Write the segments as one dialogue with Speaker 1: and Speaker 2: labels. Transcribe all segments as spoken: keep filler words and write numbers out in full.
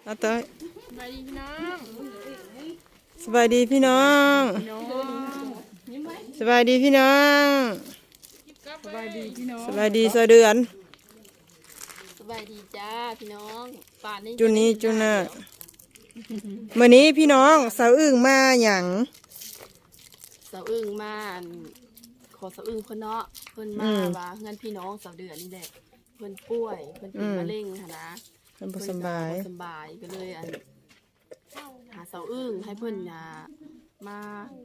Speaker 1: เอาเต้ย
Speaker 2: สบายดีพี่น้อง
Speaker 1: สบายดีพี่น้องสบายดีพี่น้อง
Speaker 2: สบายดีพี่น้อง
Speaker 1: สบายดีสะเดือน
Speaker 2: สบายดีจ้าพี่น้องป่านนี้
Speaker 1: จุนี้จุน่ะมื้อนี้พี่น้องสาวอึ่งมาหยัง
Speaker 2: สาวอึ้งมาขอสาวอึ้งเพิ่นเนาะเพิ่นมาว่าเงินพี่น้องสาวเดือนนี่แหละเพิ่นป่วยเพิ่นเป็นมะเร็งค่ะนะ
Speaker 1: เพิ่นบ่สบาย
Speaker 2: สบายก็เลยอันหาสาวอึ้งให้เพิ่นน่ะมา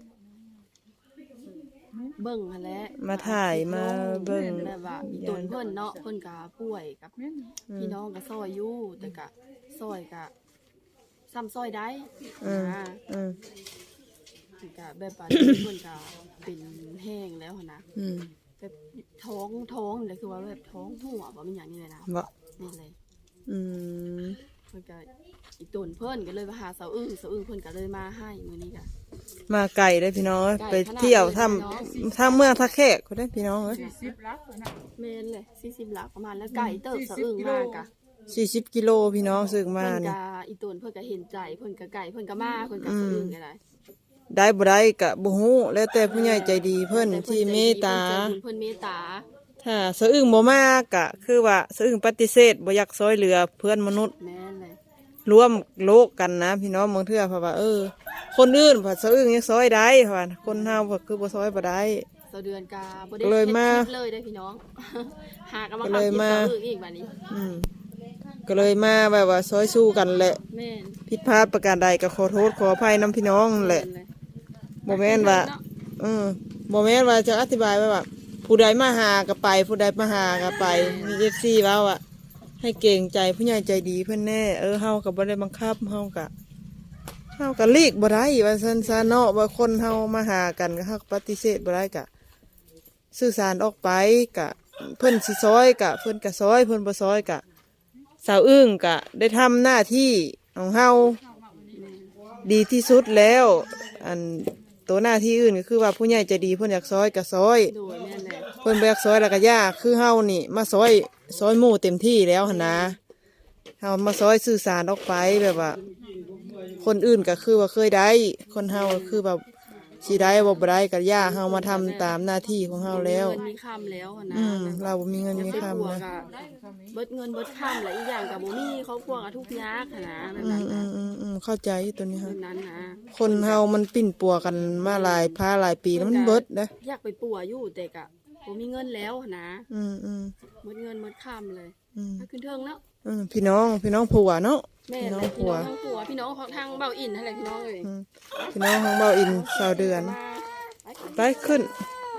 Speaker 2: เบิ่งหั่นแหละ
Speaker 1: มาถ่ายมาเบิ่ง
Speaker 2: แบบว่าอีตนเพิ่นเนาะเพิ่นก็ป่วยกับพี่น้องก็ซอยอยู่แต่ก็ซอยก็ซ้ำซอยได้นะ
Speaker 1: อืม
Speaker 2: ก็แบบว่าเพิ่นก็เป็นแห้งแล้วนะ
Speaker 1: อืม
Speaker 2: แบบท้องท้องเลยคือว่าแบบท้องหัวบ่มีหยังนี่เลยนะ
Speaker 1: บ่
Speaker 2: นี่เลย
Speaker 1: อืม
Speaker 2: เพิ่นก็อีตนเพิ่นก็เลยมาหาสาวอึ้งสาวอึ้งเพิ่นก็เลยมาให้มื้อนี้ก็
Speaker 1: มาไกลได้พี่น้องไปเที่ยวทำทางเมืองท่าแขกก็ได้พี่น้องเอ้ย
Speaker 2: สี่สิบลักนะแม่นเลยสี่สิบลักประมาณแล้วไก่เติบสาวอึ้งมากะ
Speaker 1: สี่สิบกิโลพี่น้องสึกมา
Speaker 2: เพิ่น
Speaker 1: นี่
Speaker 2: ก็อีตนเพิ่นก็เห็นใจเพิ่นก็ไก่เพิ่นก็มาเพิ่นก็สาวอึ้งก็ได้
Speaker 1: ได้บ่ได้ก็บ่ฮู้แล้วแต่ผู้ใหญ่ใจดีเพิ่นที่เมตตา
Speaker 2: เพิ่นเมตตา
Speaker 1: ถ้าสะอึ้งบ่มากก็คือว่าสะอึ้งปฏิเสธบ่อยากซอยเหลือเพื่อนมนุษย์
Speaker 2: แม่นเลย
Speaker 1: ร่วมโลกกันนะพี่น้องบางเทื่อเพราะว่าเออคนอื่นผัดสะอึ้งยังซอยได้เพราะว่าคนเฮาก็คือบ่ซอยบ่ได้
Speaker 2: สะเดือนกาบ่ได้เลยมาเลยได้พี่น้องหากำลังทำกินสะอึ้งอีกบัดนี้
Speaker 1: อืมก็เลยมาแบบว่าซอยสู้กันแหละ
Speaker 2: แม่น
Speaker 1: ผิดพลาดประการใดก็ขอโทษขออภัยนำพี่น้องแหละบ่แม่นว่าเออบ่แม่นว่าจะอธิบายไว้ว่าผู้ใดมาหาก็ไปผู้ใดมาหาก็ไปมี เอฟ ซี ว่าว่าให้เก่งใจผู้ใหญ่ใจดีเพิ่นแน่เออเฮาก็บ่ได้บังคับเฮาก็เฮาก็ลีกบ่ได้ว่าซั่นซะเนาะว่าคนเฮามาหากันก็เฮาก็ปฏิเสธบ่ได้ก็สื่อสารออกไปก็เพิ่นสิซอยก็เพิ่นก็ซอยเพิ่นบ่ซอยก็สาวอึ้งก็ได้ทำหน้าที่ของเฮาดีที่สุดแล้วอันตัวหน้าที่อื่นก็คือว่าผู้ใหญ่ใจดีเพิ่นอยากซอยก็ซอยเพิ่นบ่อยากซอยแล้วก็ยากคือเฮานี่มาซอยซอยหมู่เต็มที่แล้วหั่นนะเฮามาซอยสื่อสารออกไปแบบว่าคนอื่นก็คือว่าเคยได้คนเฮาก็คือแบบสิได้บ่บ่ได้ก็ยากเฮามาทำตามหน้าที่ของเฮาแล้ว
Speaker 2: มีคำแล้วนะ
Speaker 1: อืมเราบ่มีเงินมีคำนะ
Speaker 2: เบิดเงินเบิดคำแล้วอีกอย่างก็บ่มีครอบครัวก็ทุกข์ยากนะแบบ
Speaker 1: อื
Speaker 2: นั้น
Speaker 1: มอืมอืมเข้าใจตัวนี้ค่ะ
Speaker 2: นั้นนะ
Speaker 1: คนเฮามันปิ้นปัวกันมาหลายพาหลายปีแล้วมันเบิดนะ
Speaker 2: อยากไปปัวอยู่แต่ก็บ่มีเงินแล้วนะ
Speaker 1: อืมอืม
Speaker 2: หมดเงินหมดคำเลยถ้าขึ้นเทิงแล้ว
Speaker 1: อืมพี่น้องพี่น้องผัวเนาะ
Speaker 2: พี่น้องผัวทั้งผัวพี่น้องของทางเบาอินอะไรพี่น้องเลย
Speaker 1: พี่น้องของเบาอินสาวเดือนไปขึ้น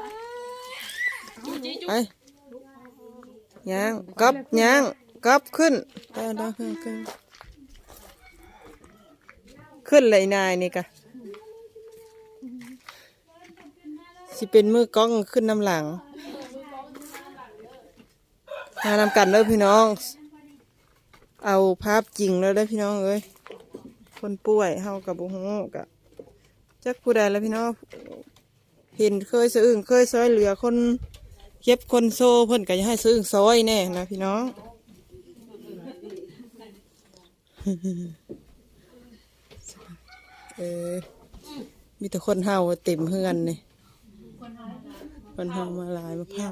Speaker 1: ไปย่างกับย่างกับขึ้นได้ได้ขึ้นขึ้นขึ้นเลยนายนี่กะสิเป็นมือกล้องขึ้นน้ำหลังมานำกันเลยพี่น้องเอาภาพจริงแล้วได้พี่น้องเอ้ยคนป่วยเฮากับบุ้งกะจักผู้ใดแล้วพี่น้องเห็นเคยสะอึ้งเคยซอยเหลือคนเก็บคนโซ่เพิ่นก็จะให้สะอึ้งซอยแน่นะพี่น้องเออมีแต่คนเฮาเต็มเฮือนนี่คนเฮามาหลายมาเผา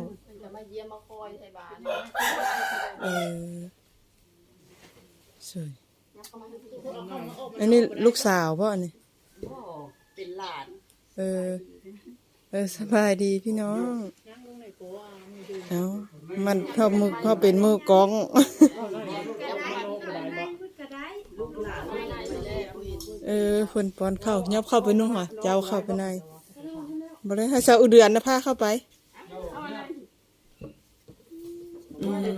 Speaker 1: เออสวยอันนี้ลูกสาวป่ะอันนี้
Speaker 2: เป็นหลาน
Speaker 1: เออเออสบายดีพี่น้องเอามันเข้ามือเข้าเป็นมือกองเออคนปอนเข้ายับเข้าไปนู่นค่ะเจ้าเข้าไปในบ่ได้ให้สาวอุเดือนนะพาเข้าไปอืม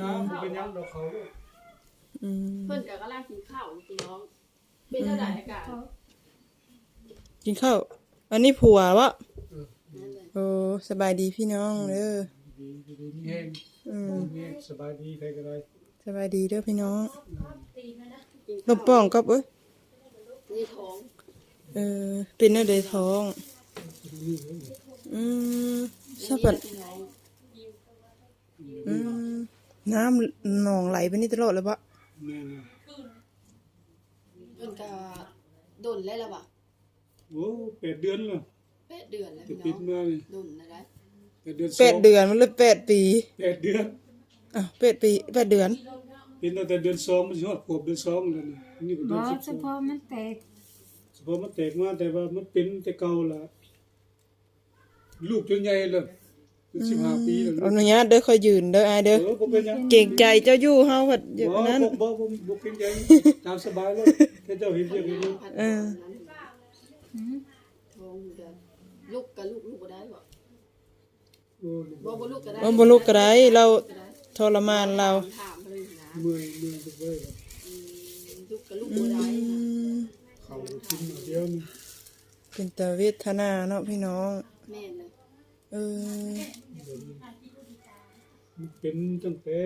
Speaker 1: อืม
Speaker 2: เพิ่นก็กำลังกินข้าวพี่น้องเป็นเท่าไหร่อากาศ
Speaker 1: กินข้าวอันนี้ผัววะโอ้สบายดีพี่น้องเด้ออืม
Speaker 3: สบายดีใครก็ได้
Speaker 1: สบายดีเด้อพี่น้องลมป้องกับเอ้ย
Speaker 2: นี่ท้อง
Speaker 1: เออเป็นอะไรท้องอืมชอบแบบอืมน้ำหนองไหลไปนี่ตลอดเลยปะ
Speaker 2: เพิ่นก็ดนแล้วล่ะบ่ะ
Speaker 3: โอ้แปดเดือนแล้ว
Speaker 2: แปดเดือนแล้ว
Speaker 3: จะ
Speaker 2: พี่
Speaker 3: ปิ
Speaker 2: น้
Speaker 3: ด
Speaker 2: อง
Speaker 3: มานี่
Speaker 2: ดนแล้วนะ
Speaker 3: แปดเดือน
Speaker 1: แปดเดือนมันเลยแปดปี
Speaker 3: แปดเดือน
Speaker 1: อ้าวแปดปีแปดเดือน
Speaker 3: เป็นตั้งแต่เดือนสองมันสิฮอดขวบเดือนสองแล้วนี่นี่ก็
Speaker 4: บ
Speaker 3: เดือน
Speaker 4: อ
Speaker 3: สิบ
Speaker 4: เฉ
Speaker 3: สอง
Speaker 4: พาะมันแตก
Speaker 3: เฉพาะมันแตกมาแต่ว่ามันเป็นแต่เก่าล่ะลูกจนใหญ่แล้วเป็นสิบห้าปีแล้ว
Speaker 1: อนุญาตเด้อค่อยยืนเด้ออาย
Speaker 3: เอ
Speaker 1: เด้อ
Speaker 3: อบ่เป็นหยัง
Speaker 1: เก่งใจเจ้าอยู่เฮาว่าอ
Speaker 3: บ่
Speaker 1: ย่างนั้น
Speaker 3: บ่บ่บ่บ่เป็นหยังตามสบายเลยแค่เจ้าเห็นเรียกเห็นอยู่
Speaker 1: เออ
Speaker 4: หืม
Speaker 2: ท้องอยู่เด้อลูกกับลูกลูกบ่ได้บ่
Speaker 3: โอ้
Speaker 2: บ่บ่ลูกก็ได้
Speaker 1: ว่าบ่ลุกก็ได้เราทรมานเรา
Speaker 2: ถามเลยนะ
Speaker 3: เมื่อยเมื่อยจักเว้ย
Speaker 2: อืมลูกกับลูกบ่ได้
Speaker 1: อืม
Speaker 3: เขากินมาเดียวนี่
Speaker 1: เป็นตาเวทนาเนาะพี่น้อง
Speaker 2: แม่นเลย
Speaker 1: เออ
Speaker 3: มันเป็นตั้งแต่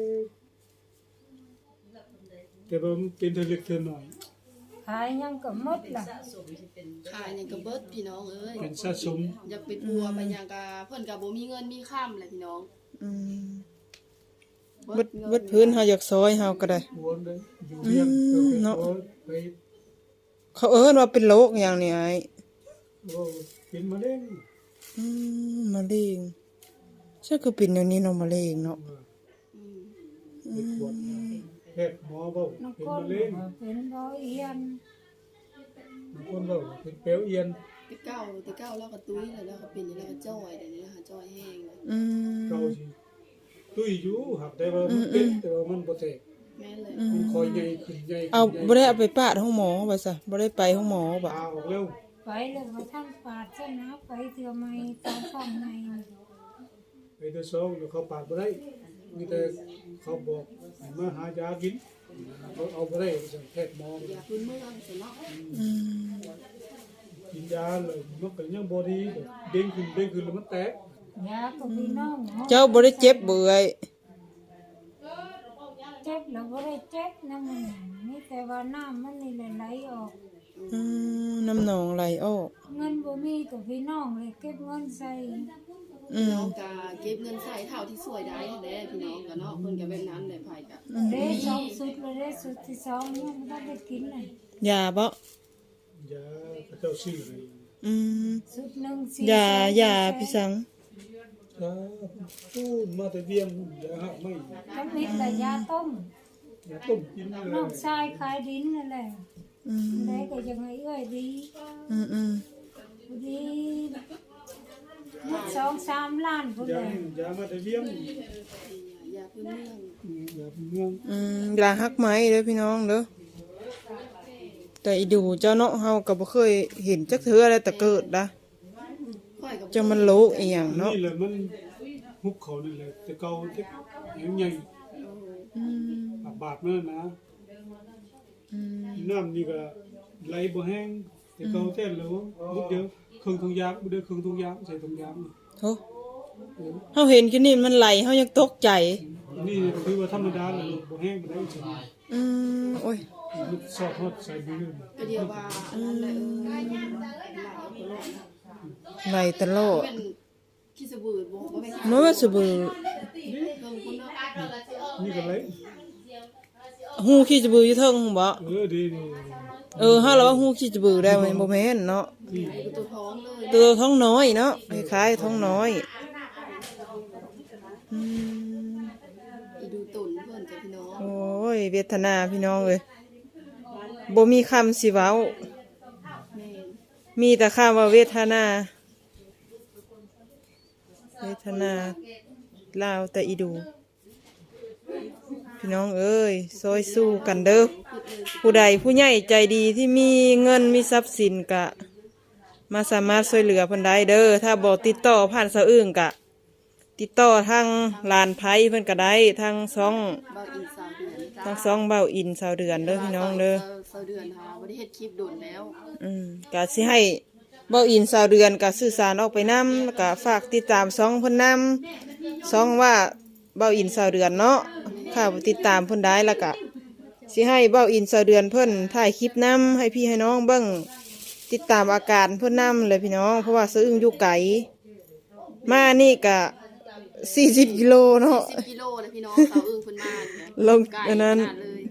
Speaker 3: แต่ว่ามันเป็นเท่าเล็กเท่าน้อย
Speaker 4: ขายยังก็หมดล่ะ
Speaker 2: ขายหยังก็เบิดพี่น้องเอ้ย
Speaker 3: เป็นสะสม
Speaker 2: อยากไปปัวไปหยังก็เพิ่นก็บ่มีเงินมีค่ำแหละพี่น้อง
Speaker 1: อืมเบิดเบิดพื้นเฮาอยากซอยเฮาก็ได้
Speaker 3: หัวเลยอยู่เรียง
Speaker 1: อืมเนาะ
Speaker 3: โอ้ยไป
Speaker 1: เขาเอิ้นว่าเป็นโรคอย่างนี้ไอ้
Speaker 3: โอ้เป็นมะเร็ง
Speaker 1: อืมมะเร็งใช่คือเป็นอย่างนี้เนาะมะเร็งเนาะ
Speaker 2: อืม
Speaker 3: ไปตรวจแพทย์หมอบอก
Speaker 4: น้อง
Speaker 3: เป็น
Speaker 4: คน
Speaker 3: มะเร็ง
Speaker 4: เป็นร้อยเอียน
Speaker 3: บางคนบอกเป็นเปลวเอียน
Speaker 2: แต่เก้าแต่เก้าแล้วก็ตุ้ยแล้วแล้วก็เป็นแล้วก็จ้อยเดี๋ยวนี้นะคะจ้อยแห้งเลย
Speaker 1: อืม
Speaker 3: เก่าสิตุ้ยอยู่หักได้ว่ามันเป็นแต่ว่ามันบ่แตก
Speaker 2: แม่นเลย
Speaker 3: มันคอยใหญ่ขึ้นใหญ่ขึ้น
Speaker 1: เอา
Speaker 3: ใหญ่
Speaker 1: บ่ได้เอาไปปาดห้องหมอว่าซะบ่ได้ไปห้องหมอบ่
Speaker 3: ตาออกแล้ว
Speaker 4: ไปเลยว่าท่านปาดซะนะไปเถื่อไม่ตามฟังใน
Speaker 3: ไปตัวสองแล้วเขาปาดบ่ได้มีแต่เขาบอกให้มาหายากินเขาเอาบ่ได้สั่งแพทย์หมอ
Speaker 2: อย่าพื้นเมืองสนอก
Speaker 1: อืม
Speaker 3: กินยาเลยมันก็ยังบ่ดีเด้งขึ้นเด้งขึ้นแล้วมันแตก
Speaker 4: ยาก็พี่น้องเนาะ
Speaker 1: เจ้าบ่ได้เจ็บเบื่อย
Speaker 4: เจ็บแล้วบ่ได้เจ็บนะมันนี่แต่ว่าน้ำมันนี่ไหลออก
Speaker 1: อืมน้ำหนองไหลออก
Speaker 4: เงินบ่มีก็พี่น้องเลยเก็บเงินใส่
Speaker 1: อืม
Speaker 2: น้องกาเก็บเงินใส่เท่าที่สวยได้แหละพี่น้องก็เนาะเพิ่นก็แบบนั้นแหละไผก็
Speaker 4: เด้สองสุดเลยเด้สุดที่สองเนี่ยมันได้กินเลย
Speaker 1: ยาบ่
Speaker 3: ยาเขาเจ้าซื้อให้
Speaker 1: อืม
Speaker 4: สุดหนึ่งสี่
Speaker 1: ยา
Speaker 4: แสน
Speaker 1: ยาพี่สัง
Speaker 3: ยาพูดมาแต่เวียงยาหักไม่
Speaker 4: ก็มีแต่ยาต้ม
Speaker 3: ยาต้มกินเล
Speaker 4: น้อง
Speaker 3: ย
Speaker 4: ชายขายดินนั่นแหละ
Speaker 1: อืม
Speaker 4: ได้ก็ยังไงเอ้ยดี
Speaker 1: อืมอืม
Speaker 4: ดีหมดสองสามล้านพุ่น
Speaker 3: ยา
Speaker 4: เลย
Speaker 3: ยามาแต่เวียง
Speaker 2: อย่าพื้นเมือง
Speaker 3: อืมยาเป็นเมือง
Speaker 1: อืมยาฮักไหมเด้อพี่น้องเด้อแต่อีดูเจ้าเนาะเฮาก็บ่เคยเห็นจักเทื่ออะไรแต่เกิดนะ
Speaker 2: ค่อยก็
Speaker 1: จะมันโลกอีหยังเนาะ
Speaker 3: นี่แหละมันฮุบเขานี่แหละแต่เก่าที่ยังใหญ่
Speaker 1: อืม
Speaker 3: บาดมันนะ
Speaker 1: อืม
Speaker 3: น้ำนี่ก็ไหลบ่แห้งแต่เก่าแท้แล้วนิดเดียวเครื่องทุงยางบ่ได้เครื่องทุงยางใส่ทุงยาง
Speaker 1: โธ่เฮาเห็นแค่นี้มันไหลเฮายังตกใจ
Speaker 3: นี่คือว่าธรรมดาแล้วบ่แห้งบ่ได้ใช่
Speaker 1: อืมโอ้ย
Speaker 3: มันสอดฮอดใส่มือ
Speaker 2: ก็เดียวว่าอันนั้นแหละเออหลายคนโลก
Speaker 1: ไหลตลอด
Speaker 2: เป็นขี้สบู่บ่บ่แม่น
Speaker 1: มันว่าสบือ
Speaker 2: เพิ่นคนเนาะ
Speaker 3: นี่ก็ไหล
Speaker 1: ฮู้ขี้สบืออยู่เทิงบ่
Speaker 3: เออดีดี
Speaker 1: เออเฮาละว่าฮู้ขี้สบือได้มันบ่แม่นเนาะ
Speaker 3: นี่
Speaker 2: อยู่ตัวท้องเลย
Speaker 1: ตัวท้องน้อยเนาะคล้ายๆท้องน้อยอืม
Speaker 2: อีดูตุ่นเพิ่นกับพี่น้อง
Speaker 1: โอ้ยเวทนาพี่น้องเอ้ยบ่มีคำสิเว้า
Speaker 2: แม่น
Speaker 1: มีแต่คำว่าเวทนา เวทนาลาวแต่อีดู พี่น้องเอ้ยซอยสู้กันเด้อผู้ใดผู้ใหญ่ใจดีที่มีเงินมีทรัพย์สินกะ มาสามารถช่วยเหลือเพิ่นได้เด้อถ้าบ่ติดต่อผ่านสะอื่นกะ ติดต่อทางลานไผเพิ่นก็ได้ทางซ่อง
Speaker 2: เบาอินสาวเดือน
Speaker 1: ทางซ่องเบ้าอินสาวเดือนเด้อพี่น้องเด้อ
Speaker 2: สาวเดือนหาบ่ได้เฮ็ดคลิปโดนแล้ว
Speaker 1: อืมก็สิให้เบ้าอินสาวเดือนก็สื่อสารออกไปนำแล้วก็ฝากติดตามซ่องเพิ่นนำซ่องว่าเบ้าอินสาวเดือนเนาะข้าบ่ติดตามเพิ่นได้แล้วก็สิให้เบ้าอินสาวเดือนเพิ่นถ่ายคลิปนำให้พี่ให้น้องเบิ่งติดตามอาการเพิ่นนำเลยพี่น้องเพราะว่าซื้ออยู่ไกลมานี่ก็สี่สิบกิโลเนาะ
Speaker 2: สิบกิโลเลยพี่น้องสาวอึ้งเพิ่นมาเนี่ย
Speaker 1: ลง
Speaker 2: ไกล
Speaker 1: อันนั้น
Speaker 2: ขนาดเลย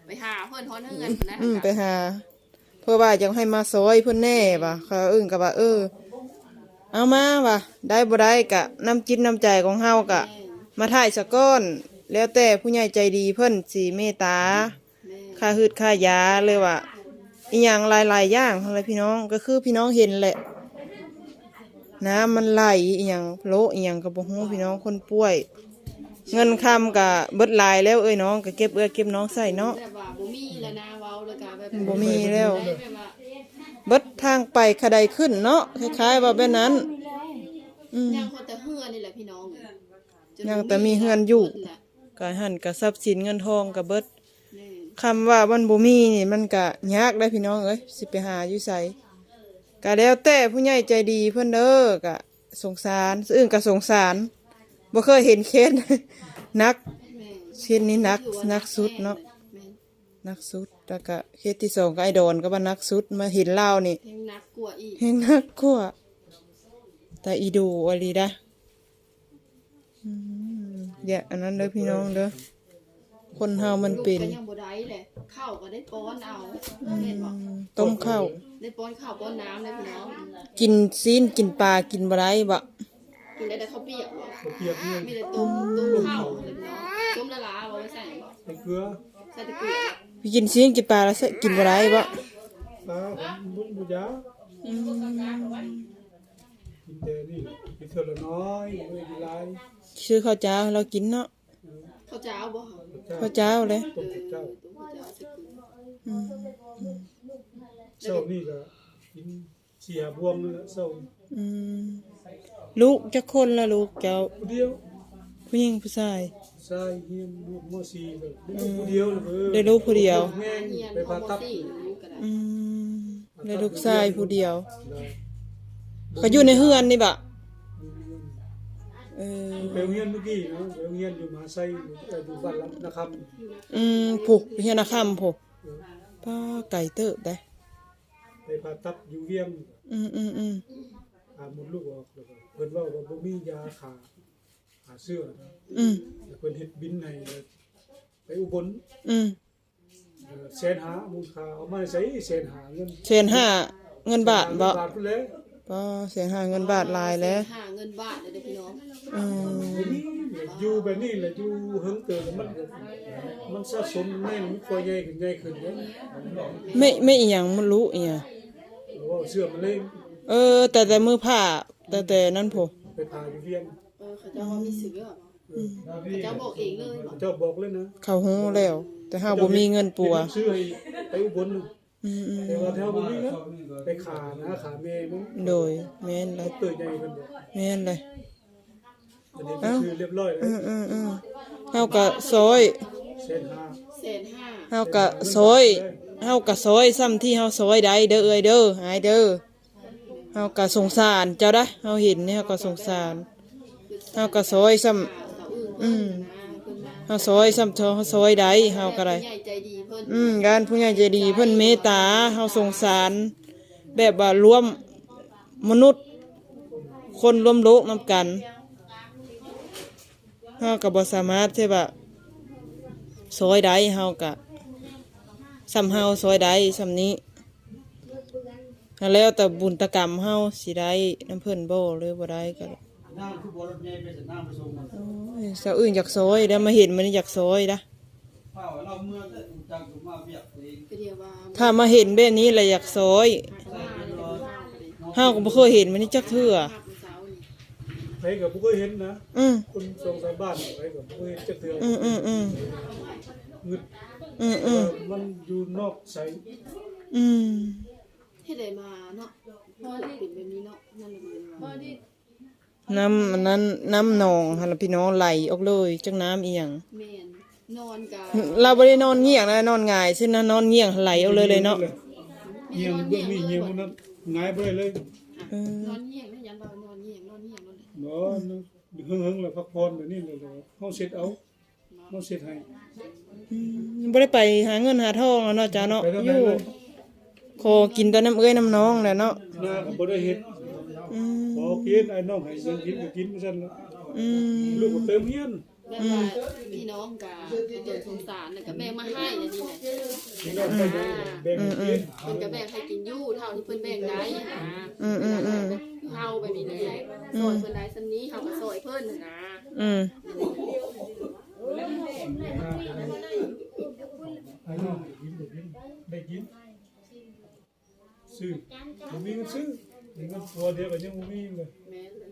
Speaker 2: ไปหาเพิ่นฮอนเฮือนนะ
Speaker 1: อืมไปหา เพื่อว่าจะให้มาซอยเพิ่นแน่ว่ะเขาอึ้งก็ว่าเออเอามาว่ะได้บ่ได้กะน้ำจิตน้ำใจของเฮากะ มาถ่ายสะก้อน แล้วแต่ผู้ใหญ่ใจดีเพิ่นสิเมตตา
Speaker 2: แม่
Speaker 1: ค่าหืดค่ายาเลยว่าอีหยังหลายๆอย่างอะไรพี่น้องก็คือพี่น้องเห็นแหละ น้ำมันไหลอีหยังโลอีหยังก็บ่ฮู้พี่น้องคนป่วย เงินคำก็เบิดหลายแล้วเอ้ยน้องก็เก็บเอื้อเก็บน้องใส่เนาะ
Speaker 2: แบบว่าบ่มีแล้วนะเว้าแล้วก็แบบ
Speaker 1: บ่มีแล้ว
Speaker 2: ได้แบบว่า
Speaker 1: เบิดทางไปขะไดขึ้นเนาะคล้ายๆว่าแบบนั้น อืม
Speaker 2: ยังคนแต่เฮือนนี่แหละพี่น้องจน
Speaker 1: ยังแต่มีเฮือนอยู่
Speaker 2: เบิดแหละ
Speaker 1: ก็หันก็ทรัพย์สินเงินทองก็เบิด
Speaker 2: แม่
Speaker 1: คำว่ามันบ่มีนี่มันก็ยากได้พี่น้องเอ้ยสิไปหาอยู่ไสก็แล้วแต่ผู้ใหญ่ใจดีเพิ่นเด้อก็สงสารอื่นก็สงสารบ่เคยเห็นเคส นัก
Speaker 2: แม่
Speaker 1: เคสนี้นักนักสุดเนาะ
Speaker 2: แม่
Speaker 1: นักสุดแล้วก็เคสที่สองก็ไอ้ดอนก็ว่านักสุดมาเห็นเล่าวนี่
Speaker 2: เพลงนักกลัวาอีก
Speaker 1: เห็นนักกว่าแต่อีดูอลีดะอืมอย่าอันนั้นเด้อพี่น้องเด้อคนเฮามันเป็น
Speaker 2: ลูกก็ยังบ่ได้แหละข้าวก็ได้ป้อนเอาแม่นบอก
Speaker 1: ต้มข้าว
Speaker 2: ได้ป้อนข้าวป้อนน้ำเลยพี่น้อง
Speaker 1: กินซีนกินปลากินบะไรบะ
Speaker 2: กินได้แต่ข้าวเปียกบ่
Speaker 3: เขาเปียกเนี่ย
Speaker 2: มีแต่ต้มต้มข้าวเลยพี่น้องต้มละลาบ่ไว้ใส่บ่
Speaker 3: ใส่เกลือ
Speaker 2: ใส่แตะเกียบ
Speaker 1: พี่กินซีนกินปลาแล้วกินบะไรบะ
Speaker 3: ปลาผมบุญบุญยากินแต่นี่กินเท่าละน้อยไม่กินหลาย
Speaker 1: ชื่อข้าวเจ้าเรากินเนาะ
Speaker 2: ข้าวเจ้าบ่ค่ะ
Speaker 1: ข้าวเจ้าเลย
Speaker 3: ต้มกับเจ้า
Speaker 2: ต้มข้าวเจ้าใส่เกลือ
Speaker 1: อืม
Speaker 3: เช้านี่ก็กินเสียบวงนี่แหละเช้า
Speaker 1: อืมลูกจะคนละลูกเจ้า
Speaker 3: ผู้เดียว
Speaker 1: ผู้หญิงผู้ชาย
Speaker 3: ชายเฮียนลูกมอสีก็ได้ลูกผู้เดียวเลยเออ
Speaker 1: ได้ลูกผู้เดียว
Speaker 3: แม่ง
Speaker 2: เฮียน
Speaker 3: ไป
Speaker 2: พอ
Speaker 3: ผ่า
Speaker 2: บ่
Speaker 3: ตัด
Speaker 2: สี่ลูกก็ได้
Speaker 1: อืมได้ลูกชายผู้เดียว
Speaker 3: ได้
Speaker 1: เขาอยู่ในเฮือนนี่บะเออ
Speaker 3: ไปโรงเรียนเมื่อกี้เนาะไปโรงเรียนอยู่มหาไซเอ่ออยู่บ้านลำนะครับ
Speaker 1: อืมผูกเฮียนาคำผูกป้าไก่เติบได้
Speaker 3: ไปผ่าตัดอยู่เวียง
Speaker 1: อืมอืมอืม
Speaker 3: หาหมดลูกออกแล้วก็เพิ่นเว่าว่าบ่มียาขาขาเสื้อนะ
Speaker 1: อืม
Speaker 3: แล้วเพิ่นเฮ็ดบินให้ไปอุบล
Speaker 1: อืม
Speaker 3: เอ่อแสนหามูลค่าเอามาใช้แสนหาเงิน
Speaker 1: เศษห้าเงินบาทบ่
Speaker 3: บาทพุ่นแหล้ว
Speaker 1: ป้าเศษห้าเงินบาทลายแล้ว
Speaker 2: หาเงินบาทเลยเด้อพี่น้อง
Speaker 1: อืม
Speaker 3: อยู่แบบนี้แหละอยู่เฮิงเติบมันมันสะสมแน่นมันค่อยใหญ่ขึ้นใหญ่ขึ้นเด้
Speaker 1: ไม่ไม่อีหยังมันรู้อีหยัง
Speaker 3: ว่าเสื้อมันเล่ง
Speaker 1: เออ แต่แต่มือผ้าแต่แต่นั่นผูก
Speaker 3: ไปผ่าอยู่เวียง
Speaker 2: เออเขาเจ้าว่ามีเสือเขาเจ้าบอกเองเลยบอก
Speaker 3: เจ้าบอกเลยนะ
Speaker 1: เขาหูแล้ว แต่ห้าบ่มีเงินปัว
Speaker 3: ซื้อให้ไปอุบลน่ะ
Speaker 1: อืมอืม
Speaker 3: แต่ว่าแถวบ่มีเงินไปขานะขาแม่มัน
Speaker 1: โดยแม่นเลย
Speaker 3: เติบใหญ่เพิ่นบอก
Speaker 1: แม่นเลย
Speaker 3: อันนี้ก็คือเรียบร้อยแล้
Speaker 1: อื
Speaker 3: ว
Speaker 1: มอืมอืมเฮากะซอย
Speaker 3: แสนห้า
Speaker 2: แสนห้า
Speaker 1: เฮากะซอยเฮากะซอยซ้ำที่เฮาซอยได้เด้อเอ้ยเด้อหายเด้อเฮากะสงสารเจ้าได้เฮาเห็นนี่เฮาก็สงสารเฮากะซอยซ้ำ
Speaker 2: เสาอื่น
Speaker 1: อืม
Speaker 2: นะเพิ่นมา
Speaker 1: เฮาซอยซ้ำเฮาซอยได้เฮาก็ได้
Speaker 2: ใหญ่ใจดีเพิ่น
Speaker 1: อืมการผู้ใหญ่ใจดีเพิ่นเมตตาเฮาสงสาร แบบว่ารวมมนุษย์ คนรวมโลกนำกันเฮาก็บ่สามารถที่ว่าซอยได้เฮาก็ซ้ำเฮาซอยได้ซ้ำนี้แล้วแต่บุญตกรรมเฮาสิได้น้ำเพิ่นบ่หรือบ่ได้ก็ได้
Speaker 3: น้ำคือบ่รถใหญ่ไปสนามไปส่งมัน
Speaker 1: โอ้ยสาวอื่นอยากซอยแล้วมาเห็นมันอยากซอยนะ
Speaker 3: เฝ้าเราเมื่อแต่จังถูกมาเบียกเอง
Speaker 2: ก็เดียวว่า
Speaker 1: ถ้ามาเห็นแบบนี้แล้วอยากซอย
Speaker 2: เขามาเลยเป็นข้าวเลย
Speaker 1: เฮาก็บ่เคยเห็นมันนี่จักเทื่อ
Speaker 2: ภาพเมื่อเช้านี่
Speaker 3: ไปก็บ่เคยเห็นนะ
Speaker 1: อืม
Speaker 3: คนสองสามบ้านไปก็บ่เคยเห็นจักเทื่อ
Speaker 1: อืมอืมอืม
Speaker 3: งึด
Speaker 1: อืมอืม
Speaker 3: มันอยู่นอกใส
Speaker 1: อืม
Speaker 2: เฮ็ดได้มาเนาะพอที่เป็นแบบนี้เนาะนั่นแหละพอที่
Speaker 1: น้ำอันนั้นน้ำหนองหั่นล่ะพี่น้องไหลออกเลยจักน้ำอีหยัง
Speaker 2: แม่นนอนกะ
Speaker 1: เราบ่ได้นอนเงียงนะนอนหงายซึ่งนะนอนเงียงไหลออกเลยเลยเนาะ
Speaker 3: เงียงเบื้องนี้เงียงมันนั้นหงายไปเลย
Speaker 1: เออน
Speaker 2: อนเหี่ยงนะยันบ่านอนเหี่ยงนอนเหี่ยงนอนเลย
Speaker 3: เนาะเฮิงๆแล้วพักผ่อนแบบนี้เลยเฮาเสร็จเอาเฮาเสร็จให้
Speaker 1: อืมบ่ได้ไปหาเงินหาทองแล้วเนาะจ้าเนาะ
Speaker 3: ไปทาง
Speaker 1: อ
Speaker 3: ไหน
Speaker 1: ยู่
Speaker 3: เลย
Speaker 1: ขอกินแต่น้ำเอ้ยน้ำน้องแหละเนาะ
Speaker 3: หน้าก็บ่ได้เฮ็ด
Speaker 1: อืม
Speaker 3: พอกินไอ้น้องให้เงินกินก็กินซั่นละ
Speaker 1: อืม
Speaker 3: ลูกก็เติมเฮียน
Speaker 2: แบบว่าพี่น้องกะตนสงสารแล้วก็แบ่งมาให้นะนี่แหละ
Speaker 3: พี่น้องไปแบ่งแบ่งกิน
Speaker 2: เพิ่นก็แบ่งให้กินอยู่เท่าที่เพิ่นแบ่งได้นะ
Speaker 1: อืมอืมอืม
Speaker 2: เฮาแบบนี้แหละซอยเพิ่นได้ซำนี้เฮาก็ซอยเพิ่นน่ะนะ
Speaker 1: อืม
Speaker 3: ไอ้น้องกินได้กินได้กินซื้อบ่มีเงินซื้อมีเงินตัวเดียวก็ยังบ่มีเลย
Speaker 2: แม่นเลย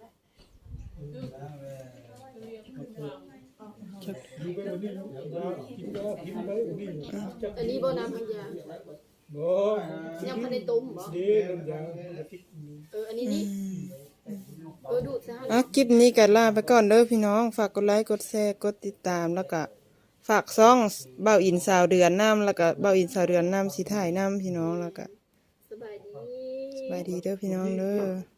Speaker 3: อยู่ไปวันนี้ว่ากินก็กินไปวันนี้จัก
Speaker 2: อันนี้บ่น้ำพันยา
Speaker 3: บ่
Speaker 2: ยังบ่ได้ต้มบ่
Speaker 3: เด้น้ำยาอาทิตย์นึง
Speaker 2: เอออันนี้นี่เออดูดซะ
Speaker 1: อ่ะคลิปนี้ก็ลาไปก่อนเด้อพี่น้องฝากกดไลค์กดแชร์กดติดตามแล้วก็ฝากซ่องเบ้าอินสาวเดือนน้ำแล้วก็เบ้าอินสาวเดือนน้ำสีถ่ายน้ำพี่น้องแล้วก็
Speaker 2: สบายดี
Speaker 1: สบายดีเด้อพี่น้องเด้อ